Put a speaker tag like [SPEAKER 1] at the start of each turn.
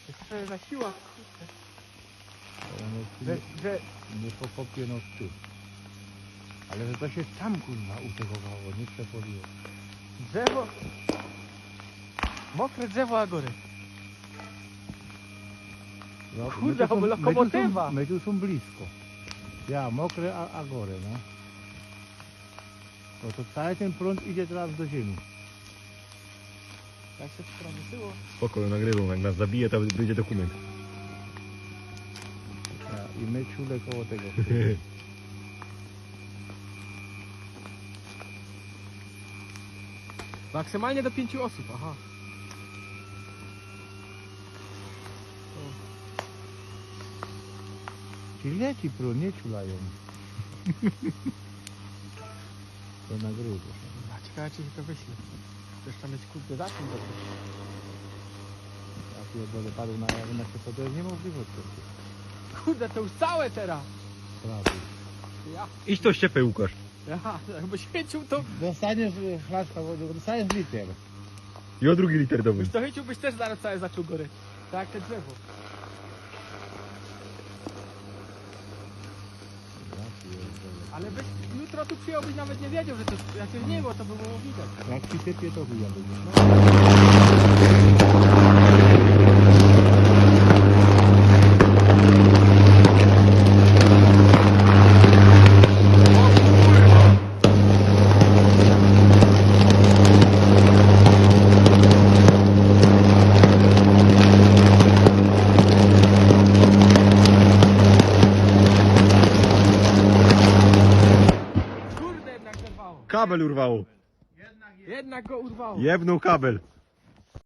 [SPEAKER 1] Jeszcze za siła,
[SPEAKER 2] One
[SPEAKER 1] że
[SPEAKER 2] nie pokopie no ty. Ale że to się tam kurwa utegowało, nie przepoliło.
[SPEAKER 1] drzewo... Mokre drzewo Agory.
[SPEAKER 2] No,
[SPEAKER 1] Kurde, to lokomotywa.
[SPEAKER 2] My tu są blisko. Ja, mokre, a gore, no. No to cały ten prąd idzie teraz do ziemi.
[SPEAKER 1] Jak się przemysyło.
[SPEAKER 3] Spokojnie, nagrywam. Jak nas zabije, to będzie dokument.
[SPEAKER 2] Ja, i my czule koło tego.
[SPEAKER 1] Maksymalnie do 5 osób, aha.
[SPEAKER 2] Czyli leci prąd, nie czulają. To nagrywa.
[SPEAKER 1] A ciekawe czy się to wyśle. Chcesz tam mieć kurde za czym dobrze.
[SPEAKER 2] Ja pierdolę, padł na jawie, to jest niemożliwe.
[SPEAKER 1] Kurde, to już całe teraz.
[SPEAKER 2] Prawie.
[SPEAKER 1] Ja,
[SPEAKER 3] Idź to ściepę, Łukasz.
[SPEAKER 1] jakby świecił to...
[SPEAKER 2] Dostaniesz flaszka wody, dostaniesz liter.
[SPEAKER 3] I o drugi liter dowód.
[SPEAKER 1] Już to chyciłbyś też zaraz całe zaczął gory. Tak jak te drzewo.
[SPEAKER 2] Ja pierdolę.
[SPEAKER 1] Ale byś jutro tu przyjąłbyś nawet nie wiedział, że to jakieś nie było, to by było widać.
[SPEAKER 2] Jak ci sypie, to chuja będzie.
[SPEAKER 1] Kurde, jednak zerwało.
[SPEAKER 3] Kabel urwało.
[SPEAKER 1] Jednak go urwało.
[SPEAKER 3] Jebnął kabel.